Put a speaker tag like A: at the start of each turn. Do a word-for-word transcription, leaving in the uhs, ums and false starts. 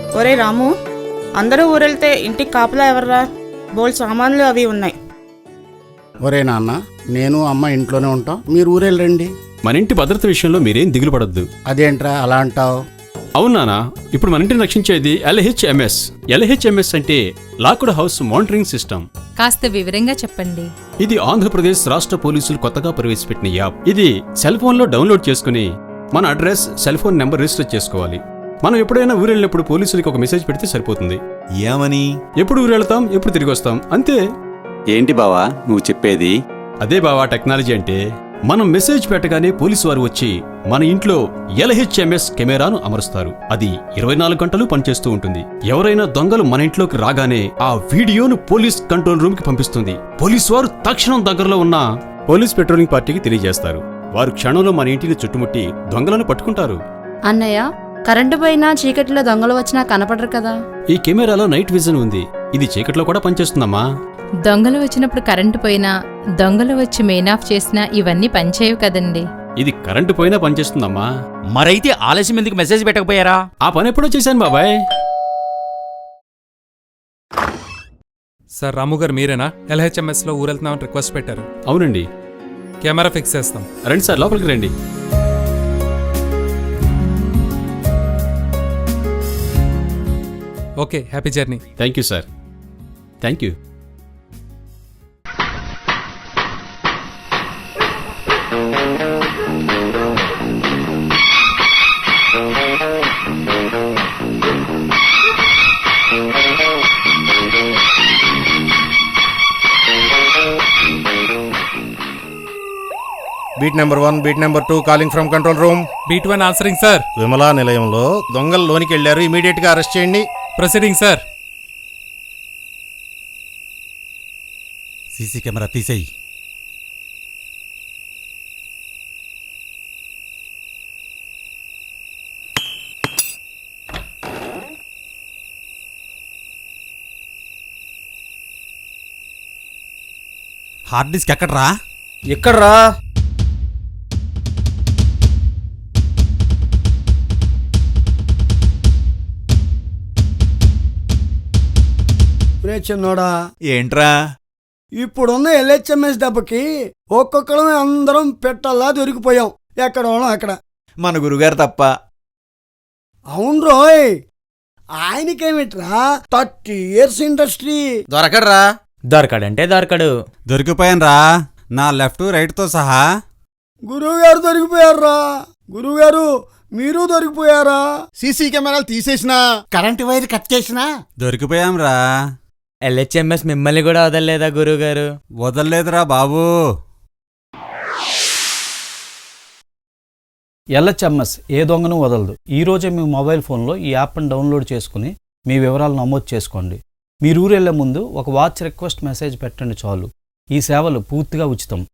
A: ఒరే రాము, అందరూ ఊరెళ్తే ఇంటికి కాపలా ఎవర్రా? బోల్ సామాన్లు అవి ఉన్నాయి.
B: ఒరే నాన్న, నేను అమ్మ ఇంట్లోనే ఉంటాం, మీరు ఊరెళ్ళండి.
C: మన ఇంటి భద్రత విషయంలో మీరేం దిగులు పడద్దు.
B: అదేంట్రా అలా అంటావు?
C: అవునానా, ఇప్పుడు మన ఇంటిని రక్షించేది ఎల్హెచ్ఎంఎస్. ఎల్హెచ్ఎంఎస్ అంటే లాక్డ్ హౌస్ మానిటరింగ్ సిస్టమ్.
D: కాస్త వివరంగా చెప్పండి.
C: ఇది ఆంధ్రప్రదేశ్ రాష్ట్ర పోలీసులు కొత్తగా ప్రవేశపెట్టిన యాప్. ఇది సెల్ ఫోన్ లో డౌన్లోడ్ చేసుకుని మన address, cell phone number register చేసుకోవాలి. మనం ఎప్పుడైనా ఊరెళ్ళినప్పుడు పోలీసులకి ఒక మెసేజ్ పెడితే సరిపోతుంది.
E: ఏమని?
C: ఎప్పుడు ఊరెళ్తాం, ఎప్పుడు తిరిగి వస్తాం, అంతే.
E: ఏంటి బావా నువ్వు చెప్పేది?
C: అదే బావా టెక్నాలజీ అంటే. మనం మెసేజ్ పెట్టగానే పోలీసు వారు వచ్చి మన ఇంట్లో ఎల్హెచ్ఎంఎస్ కెమెరాను అమరుస్తారు. అది ఇరవై నాలుగు గంటలు పనిచేస్తూ ఉంటుంది. ఎవరైనా దొంగలు మన ఇంట్లోకి రాగానే ఆ వీడియోను పోలీస్ కంట్రోల్ రూమ్ కి పంపిస్తుంది. పోలీసు వారు తక్షణం దగ్గరలో ఉన్న పోలీస్ పెట్రోలింగ్ పార్టీకి తెలియజేస్తారు. వారు క్షణంలో మన ఇంటిని చుట్టుముట్టి దొంగలను పట్టుకుంటారు.
F: అన్నయ్య, కరెంటు పోయినా చీకటిలో దొంగలు వచ్చినా కనపడరు కదా.
C: ఈ కెమెరాలో నైట్ విజన్ ఉంది. ఇది చీకట్లో కూడా పనిచేస్తుందమ్మా.
D: దొంగలు వచ్చినప్పుడు కరెంటు పోయినా, దొంగలు వచ్చి మెయిన్ ఆఫ్ చేసినా ఇవన్నీ పనిచేయవు కదండి.
C: ఇది కరెంటు పోయినా పనిచేస్తుందమ్మా.
G: మరైతే ఆలస్యం ఎందుకు మెసేజ్ పెట్టకపోయారా?
C: ఆ పని ఎప్పుడో చేశాను బాబాయ్.
H: సార్, రాము గారు మీరేనా? ఎల్హెచ్ఎంఎస్ లో ఊరెళ్తున్నామని రిక్వెస్ట్ పెట్టారు.
C: అవునండి.
H: కెమెరా ఫిక్స్ చేస్తాం.
C: రండి సార్, లోపలికి రండి.
H: Okay, happy journey.
C: Thank you sir. Thank you.
I: Beat number one, beat number two calling from control room.
H: Beat one answering sir.
I: Vimala నిలయంలో దొంగలు లోనికి వెళ్లారు, ఇమీడియట్ గా అరెస్ట్ చేయండి.
H: Proceeding sir.
E: సీసీ కెమెరా తీసేయి. హార్డ్ డిస్క్ ఎక్కడ్రా?
I: ఎక్కడ్రా?
J: చిన్నోడా,
E: ఏంట్రా?
J: ఇప్పుడున్న ఎల్హెచ్ఎంఎస్ దెబ్బకి ఒక్కొక్కడం అందరం పెట్టల్లా దొరికిపోయాం. ఎక్కడోనో అక్కడ.
E: మన గురుగారు తప్ప.
J: అవును రోయ్, ఆయనకేమిట్రా థర్టీ ఇయర్స్ ఇండస్ట్రీ.
I: దొరకడ్రా?
G: దొరకడంటే దొరకడు.
E: దొరికిపోయాన్రా, నా లెఫ్ట్ రైట్ తో సహా.
J: గురువుగారు దొరికిపోయారా? గురువుగారు మీరు దొరికిపోయారా?
I: సీసీ కెమెరాలు తీసేసినా,
B: కరెంటు వైర్ కట్ చేసినా
E: దొరికిపోయాంరా.
G: ఎల్హెచ్ఎంఎస్ మిమ్మల్ని కూడా వదలలేదా గురువుగారు?
E: వదలలేదురా బాబూ.
K: ఎల్హెచ్ఎంఎస్ ఏ దొంగను వదలదు. ఈరోజే మీ మొబైల్ ఫోన్లో ఈ యాప్ను డౌన్లోడ్ చేసుకుని మీ వివరాలు నమోదు చేసుకోండి. మీరు ఊరెళ్లే ముందు ఒక వాచ్ రిక్వెస్ట్ మెసేజ్ పెట్టండి చాలు. ఈ సేవలు పూర్తిగా ఉచితం.